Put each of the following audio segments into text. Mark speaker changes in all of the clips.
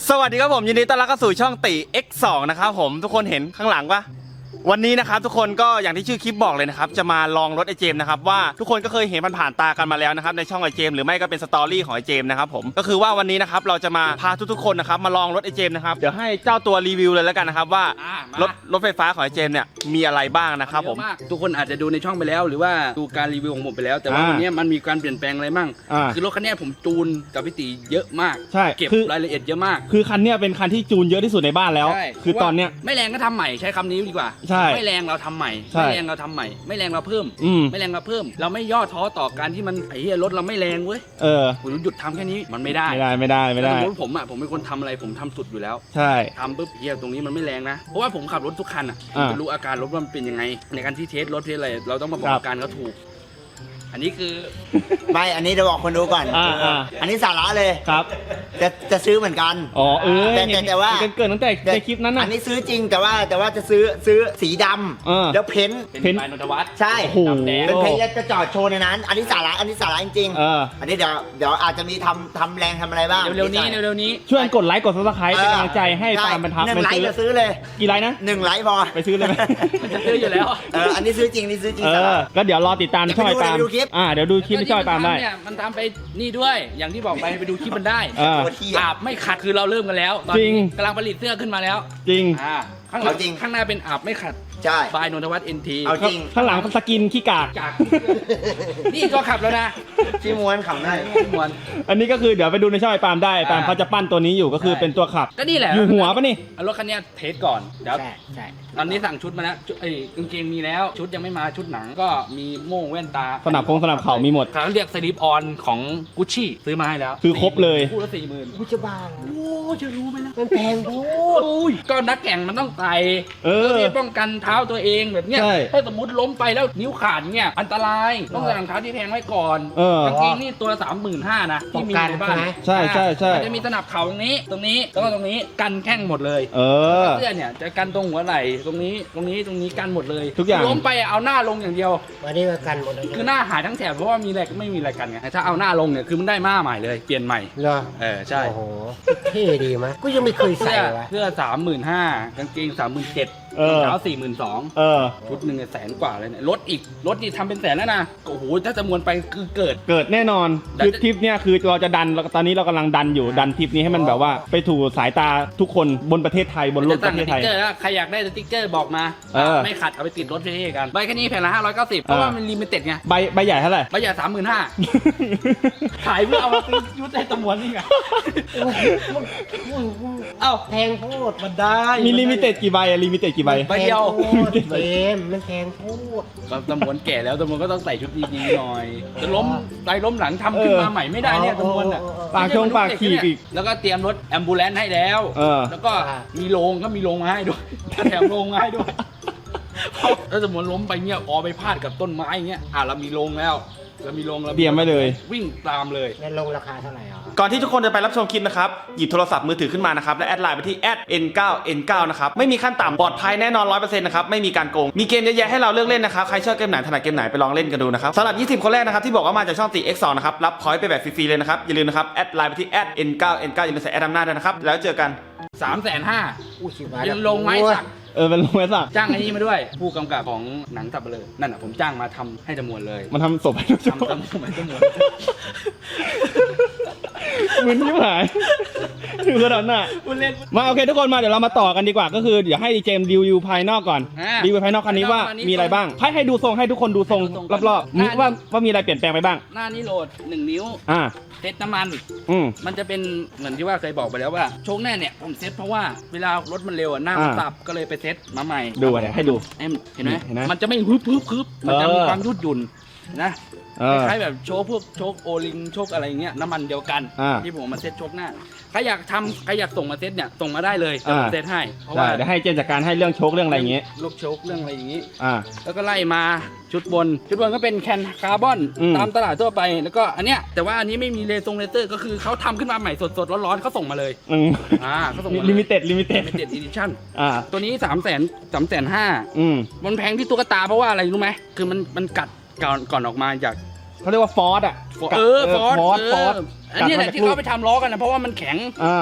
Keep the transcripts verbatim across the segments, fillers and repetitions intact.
Speaker 1: สวัสดีครับผมยินดีต้อนรับเข้าสู่ช่องติ เอ็กซ์ สอง นะครับผมทุกคนเห็นข้างหลังปะวันนี้นะครับทุกคนก็อย่างที่ชื่อคลิปบอกเลยนะครับจะมาลองรถไอเจมนะครับว่าทุกคนก็เคยเห็นผ่านๆตากันมาแล้วนะครับในช่องไอเจมหรือไม่ก็เป็นสตอรี่ของไอเจมนะครับผมก็คือว่าวันนี้นะครับเราจะมาพาทุกๆคนนะครับมาลองรถไอเจมนะครับเดี๋ยวให้เจ้าตัวรีวิวเลยแล้วกันนะครับว่ารถรถไฟฟ้าของไอเจมเนี่ยมีอะไรบ้างนะครับผม
Speaker 2: ทุกคนอาจจะดูในช่องไปแล้วหรือว่าดูการรีวิวของผมไปแล้วแต่ว่าวันนี้มันมีการเปลี่ยนแปลงอะไรมั่งคือรถคันนี้ผมจูนกับพี่ตีเยอะมาก
Speaker 1: ใช่
Speaker 2: เก็บรายละเอียดเยอะมาก
Speaker 1: คือคันนี้เป็นคันที่จูนเยอะที่สุดในบ้านแล้วคือตอนเนี้ย
Speaker 2: ไม่แรงก็ทำใหม่ใช้คำนี้ดีกว่าไม่แรงเราทำใหม่ไม่แรงเราทำใหม่ไม่แรงเราเพิ่มไม่แรงเราเพิ่มเราไม่ย่อท้อต่อการที่มันไอ้เหี้ยรถเราไม่แรงเว้ย
Speaker 1: เออ
Speaker 2: ผมหยุดทำแค่นี้มันไม่ได้
Speaker 1: ไม่ได้ไม่ได้ไม่ได้
Speaker 2: รถผมอ่ะผมเป็นคนทำอะไรผมทำสุดอยู่แล้ว
Speaker 1: ใช่
Speaker 2: ทำปุ๊บเหี้ยตรงนี้มันไม่แรงนะเพราะว่าผมขับรถทุกคันอ่ะผมจะรู้อาการรถว่ามันเป็นยังไงในการที่เทสรถเทสอะไรเราต้องมาบอกอาการเขาถูกอันนี้คือ
Speaker 3: ไม่อันนี้จะบอกคนดูก่อน
Speaker 1: อ่าอ่า
Speaker 3: อันนี้สาระเลย
Speaker 1: ครับ
Speaker 3: จะจะซื้อเหมือนกัน
Speaker 1: อ๋อเออ
Speaker 3: แต่แต่ว่า
Speaker 1: เกิดตั้งแต่ในคลิปนั้นน่ะ
Speaker 3: อันนี้ซื้อจริงแต่ว่าแต่ว่าจะซื้อซื้อสีดำแล้วเพ้น
Speaker 2: เพ้นนนทวัฒน์
Speaker 3: ใช่เป็นเพ้น
Speaker 2: แล้ว
Speaker 3: จะจอดโชว์ในนั้นอันนี้สาระอันนี้สาระจริงๆอันนี้เดี๋ยวเดี๋ยวอาจจะมีทำทำแรงทำอะไรบ้าง
Speaker 2: เร็วๆนี้เร็วๆนี้
Speaker 1: ช่วยกดไลค์กดซับสไครป์เป็นกำลังใจให้ตามบรรทัด
Speaker 3: หนึ่งไลค์จะซื้อเลย
Speaker 1: กี่ไลค์นะ
Speaker 3: หนึ่งไลค์พอ
Speaker 1: ไปซื้อเลยไหม
Speaker 2: มันจะซื้ออยู่แล้ว
Speaker 3: เอออันนี้ซื้อจริงนี่ซื้อจริง
Speaker 1: ก็เดี๋ยวรอติดตามช่อยตามอ่าเดี๋ยวดูคลิปช่อยตามได้
Speaker 2: มันทำไปนี่ด้วยอย่างที่บอกไปไปดูคลิปมันได้อาบไม่ขัดคือเราเริ่มกันแล้วตอนนี้กำลังผลิตเสื้อขึ้นมาแล้ว
Speaker 1: จริง
Speaker 2: อ่าข้างหลังข้างหน้าเป็นอาบไม่ขัด
Speaker 3: ใช่
Speaker 2: บายนนทวัฒน์เอ็นที
Speaker 3: เอาจริง
Speaker 1: ข้างหลังสกินขี้กาก
Speaker 2: นี่ก็ขับแล้วนะ
Speaker 3: ที่ม้วนขับได้
Speaker 2: ที่ม้วน
Speaker 1: อันนี้ก็คือเดี๋ยวไปดูในช่อยปาล์มได้ปาล์มเขาจะปั้นตัวนี้อยู่ก็คือเป็นตัวขับ
Speaker 2: ก็นี่แหละ
Speaker 1: อยู่หัวปะนี่
Speaker 2: รถคันนี้เทสก่อนเดี๋ยวใช่ตอนนี้สั่งชุดมาแล้วไอ้กางเกงมีแล้วชุดยังไม่มาชุดหนังก็มีโม่งแว่นตา
Speaker 1: สนับพงสนับเข่ามีหมด
Speaker 2: เขาเรียกสลิปออนของกุชชี่ซื้อมาให้แล้ว
Speaker 1: คือครบเลย
Speaker 2: คู่ละสี่หมื่น
Speaker 3: กูจะบ้า
Speaker 2: โอ้จะรู้ไหมนะ
Speaker 3: มันแพงพูด
Speaker 2: ก็นักแข่งมันต้องใส่
Speaker 1: เออ
Speaker 2: ป้องกันเท้าตัวเองแบบเนี้ยถ้าสมมติล้มไปแล้วนิ้วขาดเนี่ยอันตรายต้องใส่รองเท้าที่แพงไว้ก่อนกางเกงนี่ตัวสามหมื่นห้านะที่มีในบ้าน
Speaker 1: ใช่ใช่ใช่
Speaker 2: มันจะมีสนับเข่าตรงนี้ตรงนี้แล้วก็ตรงนี้กันแข้งหมดเลย
Speaker 1: เออ
Speaker 2: เสื้อเนี่ยจะกันตรงหัวไหล่ตรงนี้ตรงนี้ตรงนี้กันหมดเลย
Speaker 1: ทุกอย่าง
Speaker 2: ล้มไปเอาหน้าลงอย่างเดียว
Speaker 3: วันนี้กันหมดเลย
Speaker 2: คือหน้าหายทั้งแถบเพราะว่ามีอะไรไม่มีอะไรกันไงถ้าเอาหน้าลงเนี่ยคือมันได้หน้าใหม่เลยเปลี่ยนใหม่
Speaker 3: เหรอ
Speaker 2: เออใช่
Speaker 3: โอ้โหเท่ดีมั้ยกูยังไม่เคยใส่วะ
Speaker 2: เสื้อสามหมื่นห้ากางเกงสามหมื่นเจ็ดรองเท้าสี่หมื่นสองชุดหนึ่งแสนกว่าเลยเนี่ยรถอีกรถอีกทำเป็นแสนแล้วนะโอ้โหถ้าจะมวลไปคือเกิด
Speaker 1: เกิดแน่นอนคือทริปเนี้ยคือเราจะดันตอนนี้เรากำลังดันอยู่ดันทริปนี้ให้มันแบบว่าไปถูกสายตาทุกคนบนประเทศไทยบนโลกประเทศไทย
Speaker 2: ใครอยากได้สติ๊กเกอร์บอกมาไม่ขัดเอาไปติดรถเท่ๆกันใบแค่นี้แผ่นละห้าร้อยเก้าสิบเพราะว่ามันลิมิเต็ดไง
Speaker 1: ใบใบใหญ่เท่าไหร่
Speaker 2: ใบใหญ่สามหมื่นห้าขายเพื่อเอามาซื้อยุทธให้ตำรวจนี่ไงเอ้า
Speaker 3: แพงโคตร
Speaker 2: มันได้
Speaker 1: มีลิมิเต็ดกี่ใบอะลิมิเต็ดกี่ใบ
Speaker 2: ใบเดียว
Speaker 3: เกมมันแพงพูด
Speaker 2: ตำรวจแก่แล้วตำรวจก็ต้องใส่ชุดดีๆหน่อยจะล้มใจล้มหลังทำขึ้นมาใหม่ไม่ได้เนี่ยตำรวจอ่ะ
Speaker 1: ปากชงปากขี่อีก
Speaker 2: แล้วก็เตรียมรถแอมบูเลนซ์ให้แล้วแล้วก็มีโรงก็มีโรงมาให้ด้วยแถมโรงมาให้ด้วยถ้าสมมติล้มไปเงี้ยออไปพาดกับต้นไม้เงี้ยอ่ะเรามีโรงแล้วเรามีโรงเรา
Speaker 1: เตรียมไว้เลย
Speaker 2: วิ่งตามเลย
Speaker 3: แล้วโรงราคาเท่าไหร่อ่ะ
Speaker 1: ก่อนที่ทุกคนจะไปรับชมคลิปนะครับหยิบโทรศัพท์มือถือขึ้นมานะครับและแอดไลน์ไปที่ แอท เอ็น ไนน์ เอ็น ไนน์ นะครับไม่มีขั้นต่ำปลอดภัยแน่นอน ร้อยเปอร์เซ็นต์ นะครับไม่มีการโกงมีเกมเยอะแยะให้เราเลือกเล่นนะครับใครชอบเกมไหนถนัดเกมไหนไปลองเล่นกันดูนะครับสำหรับยี่สิบคนแรกนะครับที่บอกว่ามาจากช่องติ เอ็กซ์ สอง นะครับรับพอยต์ไปแบบฟรีๆเลยนะครับอย่าลืมนะครับแอดไลน์ไปที่ แอท เอ็น ไนน์ เอ็น ไนน์ อย่าลืมใส่แอดนำหน้าด้วยนะครับแล้วเจอกัน
Speaker 2: สามแสนห้า
Speaker 3: อู้ชิบะ
Speaker 2: ยังลงไม้สัก
Speaker 1: เออเป็นลงไม้สัก
Speaker 2: จ้างไอ้นี่มาด้วยผู้กำกับของหนังสับเปลือนั่นอ่ะผมจ้างมาทำให้จำนวนเลย
Speaker 1: มันทำศพให้
Speaker 2: ทำจำนวนจำนวน
Speaker 1: มึนที่หายถึงขนาดน่ะมาโอเคทุกคนมาเดี๋ยวเรามาต่อกันดีกว่าก็คือเดี๋ยวให้ดีเจมรีวิวภายนอกก่อนรีวิวภายนอกคันนี้ว่ามีอะไรบ้างให้ให้ดูทรงให้ทุกคนดูทรงรอบๆว่าว่ามีอะไรเปลี่ยนแปลงไปบ้าง
Speaker 2: หน้านี้โหลดหนึ่งนิ้ว
Speaker 1: อ่า
Speaker 2: เซ็ตน้ำมัน
Speaker 1: อืม
Speaker 2: มันจะเป็นเหมือนที่ว่าเคยบอกไปแล้วว่าโชคแน่เนี่ยผมเซ็ตเพราะว่าเวลารถมันเร็วหน้ามันสับก็เลยไปเซ็ตมาใหม่
Speaker 1: ดูเดี๋ยวให้ดู
Speaker 2: เห็นไหมมันจะไม่ฮึบฮึบฮึบมันจะมีความยืดหยุ่นนะคล้ายแบบโชคพวกโชคโอลิงโชคอะไรเงี้ยน้ำมันเดียวกันที่ผมมาเซ็ตโชคหน้าใครอยากทำใครอยากส่งมาเซ็ตเนี่ยส่งมาได้เลยจะเซ็ตให้
Speaker 1: เพราะว่าเดี๋ยวให้เจนจัดการให้เรื่องโชคเรื่องอะไรอย่างเงี้ย
Speaker 2: ลูกโชคเรื่องอะไรอย่างงี้อ่าแล้วก็ไล่มาชุดบนชุดบนก็เป็นแคนคาร์บอนตามตลาดทั่วไปแล้วก็อันเนี้ยแต่ว่าอันนี้ไม่มีเลซงเลเซอร์ก็คือเขาทำขึ้นมาใหม่สดๆร้อนๆเขาส่งมาเลยอ่าเขาส่งมา
Speaker 1: ลิมิเต็ดลิมิเต็ด
Speaker 2: ลิมิเต็ดอีดิชั่นอ่าตัวนี้สามแสนสามแสนห้ามันแพงที่ตุ๊กตาเพราะว่าอะไรรู้ไหมคือมันมันกัดก่อนก่อนออกมาจาก
Speaker 1: เขาเรียกว่าฟอสอ่ะ
Speaker 2: เออฟอสฟอสอันนี้แหละที่เขาไปทำล้อกันนะเพราะว่ามันแข็ง
Speaker 1: อ่า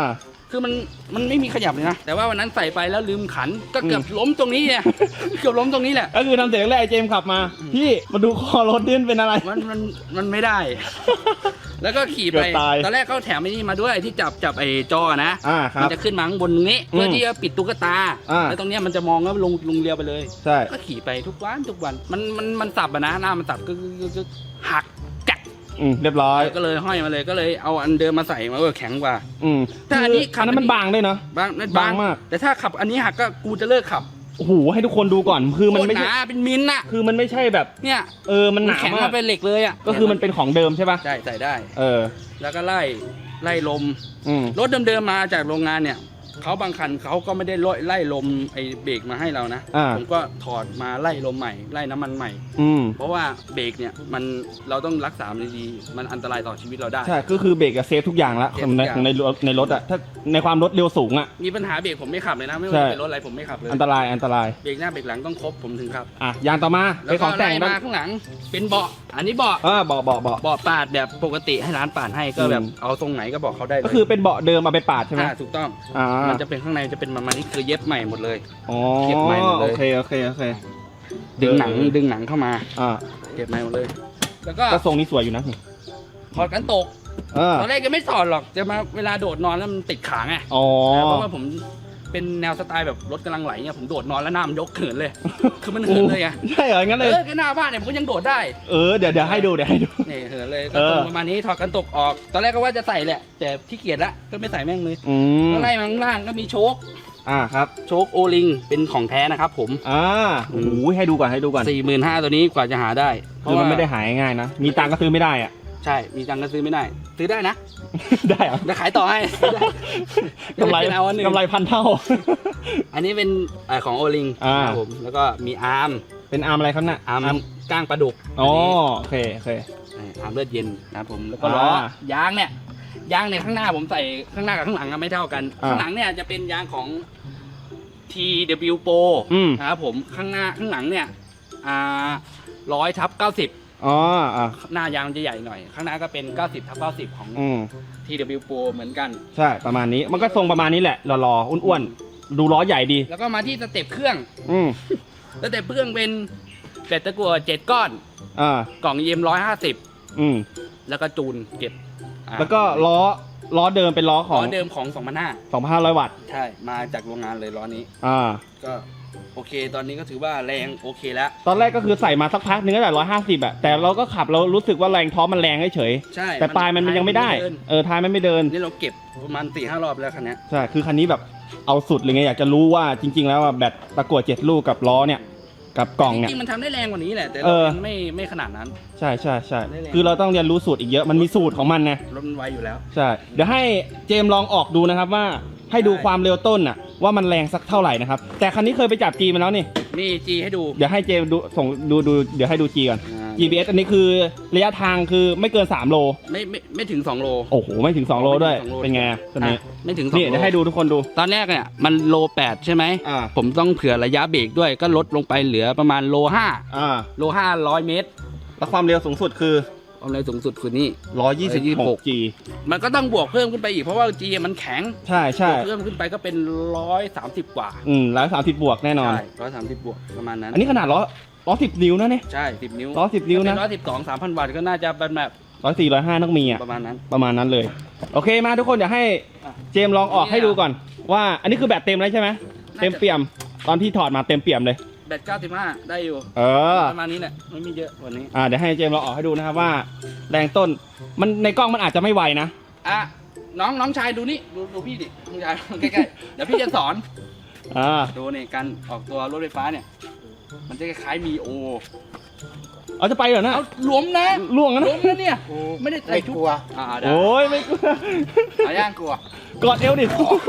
Speaker 2: คือมันมันไม่มีขยับเลยนะแต่ว่าวันนั้นใส่ไปแล้วลืมขันก็เกือบล้มตรงนี้เนี่ย เกือบล้มตรงนี้แหละ
Speaker 1: ก็คือทำเสร็จแรกไอ้เจมส์ขับมาพี่มาดูคอรถดินเป็นอะไร
Speaker 2: มันมันมันไม่ได้ แล้วก็ขี่
Speaker 1: เกื
Speaker 2: ไป
Speaker 1: อบตาย
Speaker 2: ตอนแรกเขาแถมไอ้นี่มาด้วยที่จับจับไอ้จอนะ
Speaker 1: อ่าครับ
Speaker 2: มันจะขึ้นมาข้างบนตรงนี้เพื่อ
Speaker 1: ม
Speaker 2: ที่จะปิดตุ๊กตา
Speaker 1: อ่า
Speaker 2: แล้วตรงเนี้ยมันจะมองแล้วลงลงเรียวไปเลย
Speaker 1: ใช่
Speaker 2: ก็ขี่ไปทุกวันทุกวันมันมันมันสับอะนะหน้ามันสับก็ก็หักแกะ
Speaker 1: อืมเรียบร้อย
Speaker 2: ก็เลยห้อยมาเลยก็เลยเอาอันเดิมมาใส่มาเออแข็งกว่า
Speaker 1: อืม
Speaker 2: แต่อันนี้ขั
Speaker 1: อันนั้นมันบางด้วยเนาะ
Speaker 2: บางนั่น
Speaker 1: บางมาก
Speaker 2: แต่ถ้าขับอันนี้หักก็กูจะเลิกขับ
Speaker 1: โอ้โหให้ทุกคนดูก่อนคือมัน
Speaker 2: โคตร
Speaker 1: ไม่
Speaker 2: ห
Speaker 1: ใช่
Speaker 2: นาเป็นมิลน่ะ
Speaker 1: คือมันไม่ใช่แบบ
Speaker 2: เนี่ย
Speaker 1: เออมันหนา
Speaker 2: แข็ง
Speaker 1: มาก
Speaker 2: มาเป็นเหล็กเลยอ่ะ
Speaker 1: ก็คือมันเป็นของเดิมใช่ป่ะ
Speaker 2: ใช่ใส่ได้
Speaker 1: เออ
Speaker 2: แล้วก็ไล่ไล่ลม
Speaker 1: อืม
Speaker 2: รถเดิมๆมาจากโรงงานเนี่ยเขาบางคันเขาก็ไม่ได้ไล่ลมไอ้เบรกมาให้เรานะ
Speaker 1: อ่า
Speaker 2: ผมก็ถอดมาไล่ลมใหม่ไล่น้ำมันใหม่
Speaker 1: อืม
Speaker 2: เพราะว่าเบรกเนี่ยมันเราต้องรักษามันดีๆมันอันตรายต่อชีวิตเราได้
Speaker 1: ใช่ก็คือเบรกกับเซฟทุกอย่างละ
Speaker 2: เซ
Speaker 1: ข
Speaker 2: ฟ
Speaker 1: อง
Speaker 2: ทุก
Speaker 1: ใน
Speaker 2: อย่าง
Speaker 1: ของในรถในรถอะถ้าในความรถเร็วสูงอะ
Speaker 2: มีปัญหาเบรกผมไม่ขับเลยนะไม่
Speaker 1: ใช่
Speaker 2: ว่าจะเป็นรถอะไรผมไม่ขับเลย
Speaker 1: อันตรายอันตราย
Speaker 2: เบรกหน้าเบรกหลังต้องครบผมถึงขับ
Speaker 1: อ่ะยางต่อมา
Speaker 2: แล้
Speaker 1: เป็
Speaker 2: วน
Speaker 1: ข
Speaker 2: ก็
Speaker 1: องแต่
Speaker 2: ไล่
Speaker 1: ง
Speaker 2: มา
Speaker 1: บ้าง
Speaker 2: ข้างหลังเป็นเบาะอันนี้เบาะ
Speaker 1: เออเบาะเบาะเบาะ
Speaker 2: เบาะปาดแบบปกติให้ร้านปาดให้ก็แบบ
Speaker 1: อืม
Speaker 2: เอาทรงไหนก็บอกเขาได้เลย
Speaker 1: ก็คือเป็นเบาะเดิมเอาไปปาดใช่ไหม
Speaker 2: อ่าถูกต้อง
Speaker 1: อ่า
Speaker 2: มันจะเป็นข้างในจะเป็นประมาณนี้คือเย็บใหม่หมดเลย
Speaker 1: อ๋อ
Speaker 2: เก็บใหม่หมดเลย
Speaker 1: โอเคโอเคโอเค
Speaker 2: ดึงหนังดึงหนังเข้ามา
Speaker 1: อ่า
Speaker 2: เก็บใหม่หมดเลย แล้วก็
Speaker 1: ก็ทรงนี้สวยอยู่นะนี่
Speaker 2: ถอดกันตก
Speaker 1: เออ
Speaker 2: ตอนแรกก็ไม่ถอดหรอกจะมาเวลาโดดนอนแล้วมันติดขาไง
Speaker 1: อ๋อ
Speaker 2: เพราะว่าผมเป็นแนวสไตล์แบบรถกำลังไหลเนี่ยผมโดดนอนแล้วหน้ามันยกเขินเลย คือมันเหินเลยไง
Speaker 1: ใช่เหรองั้น
Speaker 2: เอ
Speaker 1: เลย
Speaker 2: อแค่หน้าบ้านเนี่ยผมก็ยังโดดได้
Speaker 1: เออเดี๋ยวเดี๋ยวให้ดูเดี๋ยวให้ดู
Speaker 2: นี่เหินเลยก็
Speaker 1: เออ
Speaker 2: ตรงประมาณนี้ถอดกันตกออก ตอนแรกก็ว่าจะใส่แหละ แต่ขี้เกียจละก็ไม่ใส่แม่งเลย
Speaker 1: อืม
Speaker 2: ข้างในมาข้างล่างก็มีโชค
Speaker 1: อ่าครับ
Speaker 2: โชคโอลิงเป็นของแท้นะครับผม
Speaker 1: อ่าโอ้โหให้ดูก่อนให้ดูก่อน
Speaker 2: สี่หมื่นห้าตัวนี้กว่าจะหาได้
Speaker 1: คือมันไม่ได้หายง่ายนะมีตังค์ก็ซื้อไม่ได้อ่ะ
Speaker 2: ใช่ มีตังค์ก็ซื้อไม่ได้ ซื้อได้นะ
Speaker 1: ได้เหรอ
Speaker 2: จะขายต่อให้
Speaker 1: กำไร
Speaker 2: เอาอันหนึ่ง
Speaker 1: กำไรพันเท่า
Speaker 2: อันนี้เป็นเอ่อของโอลิง
Speaker 1: อ่า
Speaker 2: ครับผม แล้วก็มีอาร์ม
Speaker 1: เป็นอาร์มอะไรครับน่ะ
Speaker 2: อาร์มก้างปลาดุก
Speaker 1: อ๋อ
Speaker 2: อันนี้
Speaker 1: โอเคโอเค
Speaker 2: อาร์มเลือดเย็นนะครับผม แล้วก็ล้อ
Speaker 1: อ่า
Speaker 2: ยางเนี่ย ยางเนี่ยข้างหน้าผมใส่ข้างหน้ากับข้างหลังอะไม่เท่ากัน
Speaker 1: อ่า
Speaker 2: ข้างหลังเนี่ยจะเป็นยางของ ที ดับเบิลยู Pro
Speaker 1: อืม
Speaker 2: นะครับผม ข้างหน้าข้างหลังเนี่ย อ่าร้อยทับเก้าสิบ
Speaker 1: อ๋ออ่ะ
Speaker 2: หน้ายางมันจะใหญ่หน่อย ข้างหน้าก็เป็นเก้าสิบทับเก้าสิบของ
Speaker 1: อืม
Speaker 2: ที ดับเบิลยู Pro เหมือนกัน
Speaker 1: ใช่ประมาณนี้มันก็ทรงประมาณนี้แหละหล่อๆอ้วนๆดูล้อใหญ่ดี
Speaker 2: แล้วก็มาที่สเต็ปเครื่อง
Speaker 1: อืม
Speaker 2: สเต็ปเครื่องเป็นแบตตะกั่วเจ็ดก้อน
Speaker 1: อ่าก
Speaker 2: ล่องเอ็มร้อยห้าสิบ
Speaker 1: อืม
Speaker 2: แล้วก็จูนเก็บอ่า
Speaker 1: แล้วก็ล้อล้อเดิมเป็นล้อข
Speaker 2: ล้
Speaker 1: อ
Speaker 2: อง เดิมของสองพันห้า
Speaker 1: สองพันห้าร้อยวัตต์
Speaker 2: ใช่ มาจากโรงงานเลยล้อนี้
Speaker 1: อ่า
Speaker 2: ก็โอเค ตอนนี้ก็ถือว่าแรงโอเคแล้ว
Speaker 1: ตอนแรกก็คือใส่มาสักพักนึงก็แต่ร้อยห้าสิบอะแต่เราก็ขับเรารู้สึกว่าแรงท้อมันแรงเฉย
Speaker 2: ใช่
Speaker 1: ๆแต่ปลายมันยังไม่ได้
Speaker 2: เน
Speaker 1: เออท้ายมันไม่เดิน
Speaker 2: นี่เราเก็บประมาณสี่ห้ารอบแล้วคันเนี้ย
Speaker 1: ใช่คือคันนี้แบบเอาสุดเลยไงอยากจะรู้ว่าจริง ๆ แล้วอะแบตตะกั่วเจ็ดลูกกับล้อเนี่ยกับกล่อง
Speaker 2: จ
Speaker 1: เนี่ย
Speaker 2: ริงๆมันทำได้แรงกว่านี้แหละ แต่
Speaker 1: เอ
Speaker 2: เรา
Speaker 1: อ
Speaker 2: ยังไม่ไม่ขนาดนั้น
Speaker 1: ใช่ใช่ใช่
Speaker 2: ได้แรง
Speaker 1: คือเราต้องเรียนรู้สูตรอีกเยอะมันมีสูตรของมันไง
Speaker 2: รถมันไวอยู่แล้ว
Speaker 1: ใช่ เดี๋ยวให้เจมส์ลองออกดูนะครับว่าให้ดู
Speaker 2: ได้
Speaker 1: ความเร็วต้นน่ะว่ามันแรงสักเท่าไหร่นะครับ แต่คันนี้เคยไปจับจีมาแล้วนี่
Speaker 2: นี่จีให้ดู
Speaker 1: เดี๋ยวให้เจมส์ดูส่งดูดูเดี๋ยวให้ดูจีก่อน
Speaker 2: อ่า
Speaker 1: จี พี เอส อันนี้คือระยะทางคือไม่เกินสามโล
Speaker 2: ไม่ไม่ไม่ถึงสองโล
Speaker 1: โอ้โห ไม่ถึงสองโลด้วย
Speaker 2: ไม่ถึงสองโล
Speaker 1: เป็นไงตัวนี้
Speaker 2: อ่ะไม่ถึงสอง
Speaker 1: นี่
Speaker 2: โล
Speaker 1: เดี๋ยวให้ดูทุกคนดู
Speaker 2: ตอนแรกเนี่ยมันโลแปดใช่ไหม
Speaker 1: อ่า
Speaker 2: ผมต้องเผื่อระยะเบรกด้วยก็ลดลงไปเหลือประมาณโลห้า
Speaker 1: อ่า
Speaker 2: โลห้าร้อยเมตร
Speaker 1: แล้วความเร็วสูงสุดคือ
Speaker 2: ความเร็วสูงสุดคือนี่
Speaker 1: หนึ่งร้อยยี่สิบหก จี
Speaker 2: มันก็ต้องบวกเพิ่มขึ้นไปอีกเพราะว่าจีมันแข็ง
Speaker 1: ใช่ใช่
Speaker 2: บวกเพิ่มขึ้นไปก็เป็นร้อยสามสิบกว่า
Speaker 1: อืมร้อยสามสิบบวกแน่นอน
Speaker 2: ใช่ร้อยสามสิบบวกประมาณนั้น
Speaker 1: อันนี้ขนาดล้อล้อสิบนิ้วนะเนี่ย
Speaker 2: ใช่สิบนิ้ว
Speaker 1: ล้อสิบนิ้วนะ
Speaker 2: ร้อยสิบสองสามพันวัตต์ก็น่าจะเป็นแบบ
Speaker 1: ร้อยสี่ร้อยห้าต้องมีอ่ะ
Speaker 2: ประมาณนั้น
Speaker 1: ประมาณนั้นเลย โอเคมาทุกคนเดี๋ยวให้เจมส์ลองออกให้ดูก่อน ว่าอันนี้คือแบตเต็มแล้วใช่ไหมเต็มเปี่ยมตอนที่ถอดมาเต็มเปี่ยมเลย
Speaker 2: แบตเก้าสิบห้าได้อยู่
Speaker 1: เออ
Speaker 2: ประมาณนี้แหละไม่มีเยอะกวันนี้
Speaker 1: อ่าเดี๋ยวให้เจมส์ลองออกให้ดูนะครับว่าแรงต้นมันในกล้องมันอาจจะไม่ไวนะ
Speaker 2: อ่ะน้องน้องชายดูนี่ดูดูพี่ดิน้องชายใกล้ๆเดี๋ยวพี่จะสอน
Speaker 1: อ่า
Speaker 2: ดูนี่การออกตัวรถไฟฟ้าเนี่ย มันจะคล้ายๆมีโอ
Speaker 1: เอาจะไปเหรอนะ
Speaker 2: เอาหลวมนะ
Speaker 1: ล่วงนะ
Speaker 2: หลวมนะเนี่ย ไม่ได้ใส่
Speaker 3: ไม่
Speaker 2: ชุด
Speaker 3: กลัว
Speaker 2: อ่าได้
Speaker 1: โอ้ยไม่กลัว
Speaker 2: เอาย่างกลัว
Speaker 1: กอดเอวดิ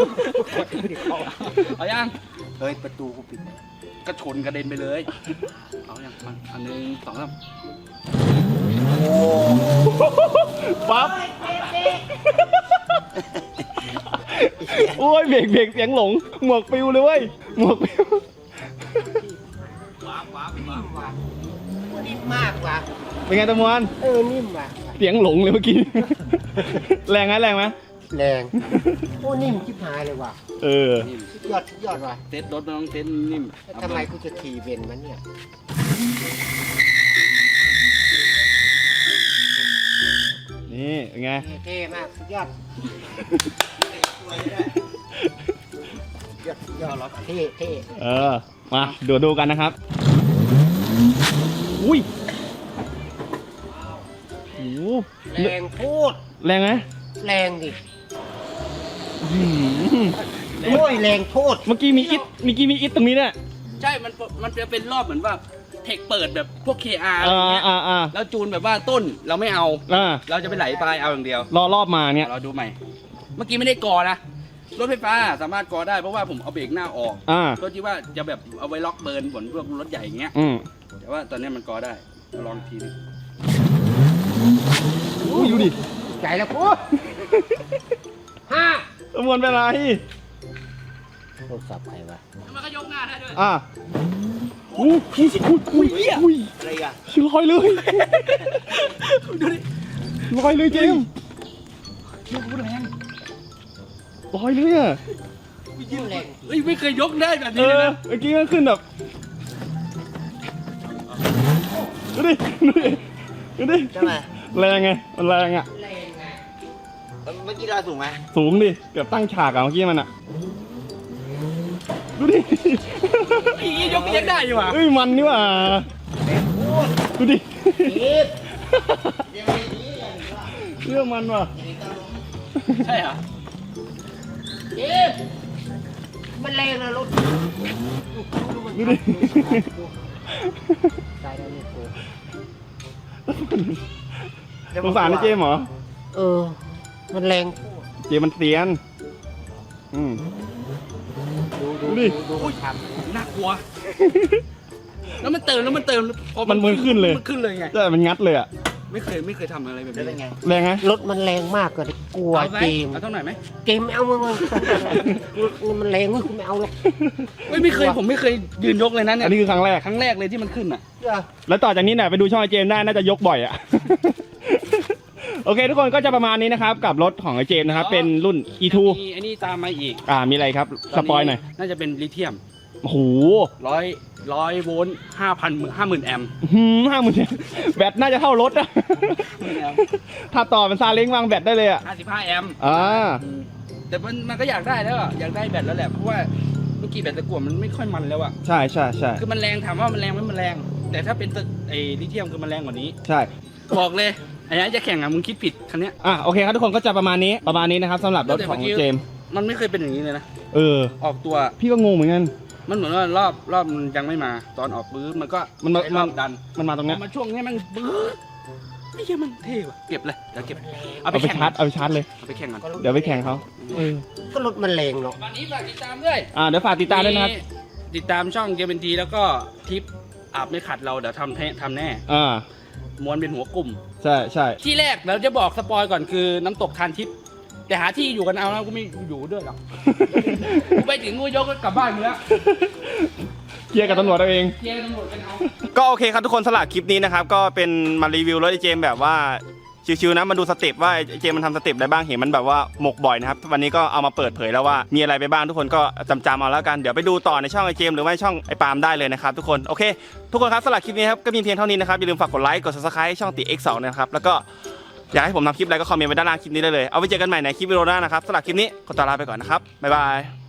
Speaker 2: เอาย่าง
Speaker 3: เฮ้ยประตูกูปิด
Speaker 2: ก็ชนกระเด็นไปเลย เอาอย่างมันอันหนึ่งสองสาม
Speaker 1: ปั๊บโอ้ยเบรกเบรกเสียงหลงหมวกปิวเลยเว้ยหมวกปิว
Speaker 2: ว้าวว้าวว้าวว้าว
Speaker 3: นิ่มมากว่ะ
Speaker 1: เป็นไงตะมวน
Speaker 3: เออนิ่มว่ะ
Speaker 1: เสียงหลงเลยเมื่อกี้ แรงไหมแรงไหม
Speaker 4: แรงโอ้นิ่มชิบหายเลยว่ะ
Speaker 1: เออ
Speaker 2: นิ่ม
Speaker 4: สุดยอดสุดยอดว่ะ
Speaker 2: เซ็ตรถมันต้องเซ็ตนิ่ม
Speaker 4: แล้วทำไมกูจะขี่เบนมันเนี่ย
Speaker 1: นี่เป็นไง
Speaker 4: เท่มากสุดยอดยอดยอดรถเท่เท่
Speaker 1: เออ มาดูดูกันนะครับ อุ้ยโอ้โห
Speaker 4: แรงพูด
Speaker 1: แรงไหม
Speaker 4: แรงดิ
Speaker 1: อื้อหือ
Speaker 4: โอ้ยแรงพูด
Speaker 1: เมื่อกี้มีอิดเมื่อกี้มีอิดตรงนี้เนี่ย
Speaker 2: ใช่ มันมันจะเป็นรอบเหมือนว่าเทคเปิดแบบพวก เค อาร์ อะไร
Speaker 1: อ่า
Speaker 2: เงี้ย
Speaker 1: อ่าอ่า
Speaker 2: แล้วจูนแบบว่าต้นเราไม่เอา
Speaker 1: อ่า
Speaker 2: เราจะไปไหลปลายเอาอย่างเดียว
Speaker 1: รอรอบมาเนี่ย
Speaker 2: เราดูใหม่ เมื่อกี้ไม่ได้กอนะ รถไฟฟ้าสามารถกอได้เพราะว่าผมเอาเบรกหน้าออก
Speaker 1: อ่า
Speaker 2: เพื่อที่ว่าจะแบบเอาไว้ล็อกเบิร์นเหมือนพวกรถใหญ่อย่างเงี้ย
Speaker 1: อืม
Speaker 2: แต่ว่าตอนนี้มันกอได้เราลองอีกทีหนึง
Speaker 1: อุ้ยดูดิ
Speaker 4: ใจแล้วกูห้า
Speaker 1: ประมวลเป็นไร
Speaker 4: โทรศัพท์ใครวะ
Speaker 2: แล้วมันก็ยกหน้าได้ด้วย
Speaker 1: อ่าอู้หูอุ้ยอุ้ยอุ้ย
Speaker 3: อะไรอ่ะ
Speaker 1: ชื่อลอยเลย
Speaker 2: ดูดิ
Speaker 1: ลอยเลยเจมส์
Speaker 2: ยกแรง
Speaker 1: ลอยเลยอ่ะ
Speaker 4: ยิ่งแรง
Speaker 2: เฮ้ยไม่เคยยกได้แบบ
Speaker 1: เอ
Speaker 2: นี้เลย
Speaker 1: อ
Speaker 2: นะ
Speaker 1: เมื่อกี้มันขึ้นแบบดูดิดูดิดูดิ
Speaker 3: ใช่ไหม
Speaker 1: แรงไงมันแรงอ่ะ
Speaker 4: แรงไง
Speaker 3: เมื่อกี้เราสูงไหม
Speaker 1: สูงดิเกือบตั้งฉากอะเมื่อกี้มันอ่ะดูดิ
Speaker 2: อียกยังได้อยู่อ่ะ
Speaker 1: เอ้ยมันนี่หว่าดูดิ
Speaker 4: อีฟ
Speaker 1: เรื่องมันว่ะ
Speaker 2: ใช่เหรอ
Speaker 4: อีฟมันแรงนะรถ
Speaker 1: ดูดิ
Speaker 4: ใจแล้วลูกกู
Speaker 1: สงสารไอ้เจมส์เหรอ
Speaker 4: เออ มันแรงพูด
Speaker 1: เจมส์มันเตียนอืม
Speaker 4: ดูดู
Speaker 1: ดูดิ
Speaker 4: ดูมันทำ
Speaker 2: น่ากลัว แล้วมันเติมแล้วมันเติมพอ
Speaker 1: มันมือขึ้นเลย
Speaker 2: มันขึ้นเลยไง
Speaker 1: ใช่มันงัดเลยอ่ะ
Speaker 2: ไม่เคยไม่เคยทำอะไรแบบ
Speaker 3: แล้วเป็น
Speaker 2: นี้
Speaker 3: ไง
Speaker 1: แรงไง
Speaker 4: รถมันแรงมากเลยกลัว
Speaker 2: เอาไหม
Speaker 4: เจมส์
Speaker 2: เอาเท่าไหร่ไหม
Speaker 4: เจมส์ไม่เอามึงมึงมันแรงเว้ยกูไม่เอาหรอก
Speaker 2: เฮ้ยไม่เคยผมไม่เคยยืนยกเลยนะเนี่
Speaker 1: อั
Speaker 2: ย
Speaker 1: นนี้คือครั้งแรก
Speaker 2: ครั้งแรกเลยที่มันขึ้นอ่ะ
Speaker 4: เดี๋ยว
Speaker 1: แล้วต่อจากนี้เนี่ยไปดูช่องไอเจมส์ได้น่าจะยกบ่อยอ่ะ โอเคทุกคนก็จะประมาณนี้นะครับกับรถของไอเจมส์นะครับเป็นรุ่น อี ทู
Speaker 2: มีไอ้นี่ตามมาอีก
Speaker 1: อ่ามีอะไรครับสปอยหน่อย
Speaker 2: น่าจะเป็นลิเธียม
Speaker 1: โอ้โห
Speaker 2: ร้อยร้อยโวลต์ห้าพันห้าหมื่นแอมป์
Speaker 1: หืมห้าหมื่นแบตน่าจะเท่ารถอะ ถ้าต่อเป็นซาเล้งวางแบตได้เลยอะ
Speaker 2: ห้าสิบห้าแอมป์
Speaker 1: อ่า
Speaker 2: อืมแต่มันมันก็อยากได้แล้วอะอยากได้แบตแล้วแหละเพราะว่าเมื่อกี้แบตตะกั่วมันไม่ค่อยมันแล้วอะ
Speaker 1: ใช่ใช่ใช่
Speaker 2: คือมันแรงถามว่ามันแรงไหมมันแรง แต่ถ้าเป็นไอ้ลิเธียมคือมันแรงกว่านี้
Speaker 1: ใช่
Speaker 2: บอกเลยไอ้นี้จะแข่งอะมึงคิดผิดคันเนี้ย
Speaker 1: อ่ะโอเคครับทุกคนก็จะประมาณนี้ประมาณนี้นะครับสำหรับรถของเจมส์
Speaker 2: มันไม่เคยเป็นอย่างนี้เลยนะ
Speaker 1: เออ
Speaker 2: ออกตัว
Speaker 1: พี่ก็งงเหมือนกัน
Speaker 2: มันเหมือนว่ารอบรอบมันยังไม่มา ตอนออกปื้ดมันก็
Speaker 1: มันมา
Speaker 2: ใช้รอบดัน
Speaker 1: มันมาตรง
Speaker 2: พ
Speaker 1: เนี้
Speaker 2: อย มาช่วงนี้มันปื้ดไอ้เหี้ยมันเท่ว่ะเก็บเลยเดี๋ยวเก็บเอา
Speaker 1: เอา
Speaker 2: ไป
Speaker 1: ไป
Speaker 2: แข่ง
Speaker 1: ชาร์จเอาไปชาร์จเลย
Speaker 2: เอาไปแข่งกัน
Speaker 1: เดี๋ยวไปแข่งเขาเออ
Speaker 4: ก็รถมันแรงเนาะ
Speaker 2: วันนี้ฝากติดตามด้วย
Speaker 1: อ่าเดี๋ยวฝากติดตามด้วยนะครับ
Speaker 2: มีติดตามช่องเกมเป็นทีแล้วก็ทิปอาบไม่ขัดเราเดี๋ยวทำแท้ทำแน่
Speaker 1: อ่า
Speaker 2: ม้วนเป็นหัวกลุ่ม
Speaker 1: ใช่ใช่
Speaker 2: ที่แรกเราจะบอกสปอยก่อนคือน้ำตกทานทิพย์แต่หาที่อยู่กันเอาแล้วกูไม่อยู่ด้วยหรอก กูไปถึงกูยกก็กลับบ้านกูแล้ว
Speaker 1: เคลียร์กับตำรวจเอาเอง
Speaker 2: เคลียร์ตำรวจกันเอา
Speaker 1: ก็โอเคครับทุกคนสำหรับคลิปนี้นะครับก็เป็นมารีวิวรถไอเจมส์แบบว่าชิวๆนะมาดูสเต็ปว่าไอเจมส์มันทำสเต็ปอะไรบ้างเห็นมันแบบว่าหมกบ่อยนะครับวันนี้ก็เอามาเปิดเผยแล้วว่ามีอะไรไปบ้างทุกคนก็จำๆเอาแล้วกันเดี๋ยวไปดูต่อในช่องไอเจมส์หรือว่าช่องไอปาล์มได้เลยนะครับทุกคนโอเคทุกคนครับสำหรับคลิปนี้ครับก็มีเพียงเท่านี้นะครับอย่าลืมฝากกดไลค์กด ซับสไครบ์ ช่องติ เอ็กซ์ สอง นะครับแล้วก็อยากให้ผมทำคลิปอะไรก็คอมเมนต์ไว้ด้านล่างคลิปนี้ได้เลยเอาไว้เจอกันใหม่ในคลิปวิดีโอหน้านะครับสำหรับคลิปนี้ขอตัวลาไปก่อนนะครับบ๊ายบาย